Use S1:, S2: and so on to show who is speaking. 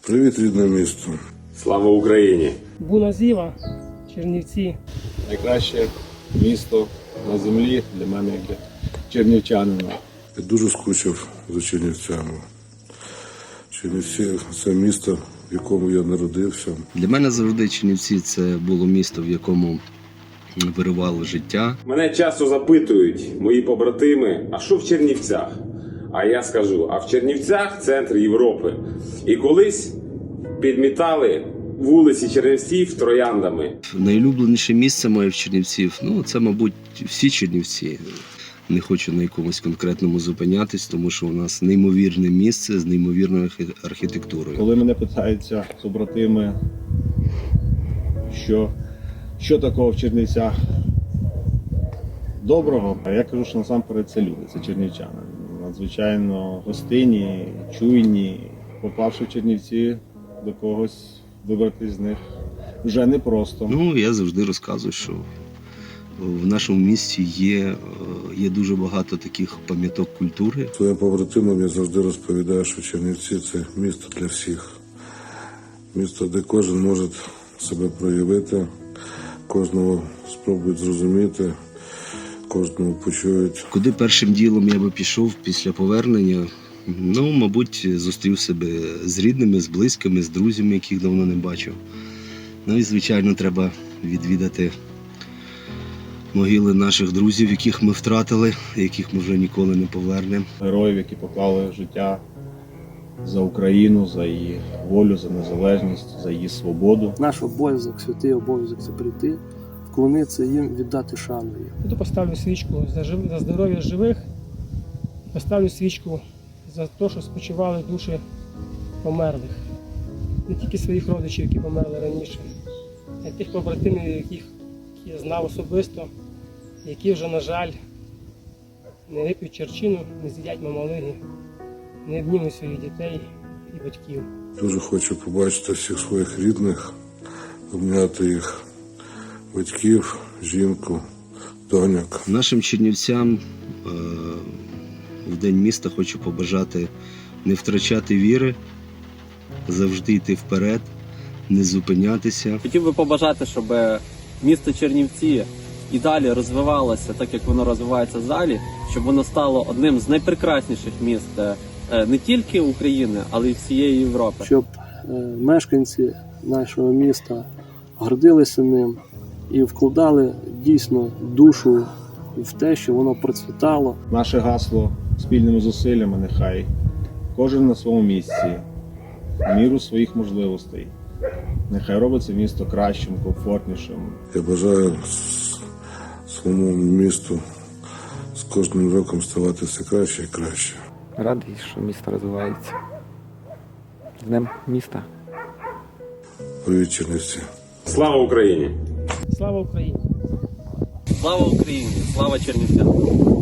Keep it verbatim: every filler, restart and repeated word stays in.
S1: Привіт, рідне місто.
S2: Слава Україні!
S3: Буназіва, Чернівці.
S4: Найкраще місто на землі для мене, як для чернівчанина.
S1: Я дуже скучив за Чернівцями. Чернівці – це місто, в якому я народився.
S5: Для мене завжди Чернівці – це було місто, в якому вирувало життя.
S2: Мене часто запитують мої побратими, а що в Чернівцях? А я скажу, а в Чернівцях центр Європи. І колись підмітали вулиці Чернівців трояндами.
S5: Найулюбленіше місце моє в Чернівців, ну це, мабуть, всі Чернівці. Не хочу на якомусь конкретному зупинятись, тому що у нас неймовірне місце з неймовірною архітектурою.
S4: Коли мене питаються побратими, що, що такого в Чернівцях доброго, а я кажу, що насамперед це люди, це чернівчани. Надзвичайно гостинні, чуйні. Попавши в Чернівці, до когось вибратись з них вже непросто.
S5: Ну, я завжди розказую, що в нашому місті є, є дуже багато таких пам'яток культури.
S1: Своїм побратимам я завжди розповідаю, що Чернівці – це місто для всіх. Місто, де кожен може себе проявити, кожного спробують зрозуміти, кожного почують.
S5: Куди першим ділом я би пішов після повернення? Ну, мабуть, зустрів себе з рідними, з близькими, з друзями, яких давно не бачив. Ну і, звичайно, треба відвідати могили наших друзів, яких ми втратили, яких ми вже ніколи не повернемо.
S4: Героїв, які поклали життя за Україну, за її волю, за незалежність, за її свободу.
S6: Наш обов'язок, святий обов'язок – це прийти, вклонитися їм, віддати шану їм.
S3: Буду поставлю свічку за, жив... за здоров'я живих, поставлю свічку за те, що спочивали душі померлих. Не тільки своїх родичів, які померли раніше, а й тих побратимів, яких я знав особисто, які вже, на жаль, не вип'ють черчину, не з'їдять мамалиги, не обнімуть своїх дітей і батьків.
S1: Дуже хочу побачити всіх своїх рідних, обняти їх батьків, жінку, доньок.
S5: Нашим чернівцям е- в День міста хочу побажати не втрачати віри, завжди йти вперед, не зупинятися.
S7: Хотів би побажати, щоб місто Чернівці і далі розвивалося так, як воно розвивається далі, щоб воно стало одним з найпрекрасніших міст не тільки України, але й всієї Європи.
S6: Щоб е, мешканці нашого міста гордилися ним і вкладали дійсно душу в те, що воно процвітало.
S4: Наше гасло спільними зусиллями нехай кожен на своєму місці, в міру своїх можливостей. Нехай робить це місто кращим, комфортнішим.
S1: Я бажаю своєму місту з кожним роком ставати все краще і краще.
S8: Радий, що місто розвивається. З Днем міста.
S1: Привіт, Чернівці.
S2: Слава Україні!
S3: Слава Україні!
S7: Слава Україні! Слава Чернівцям!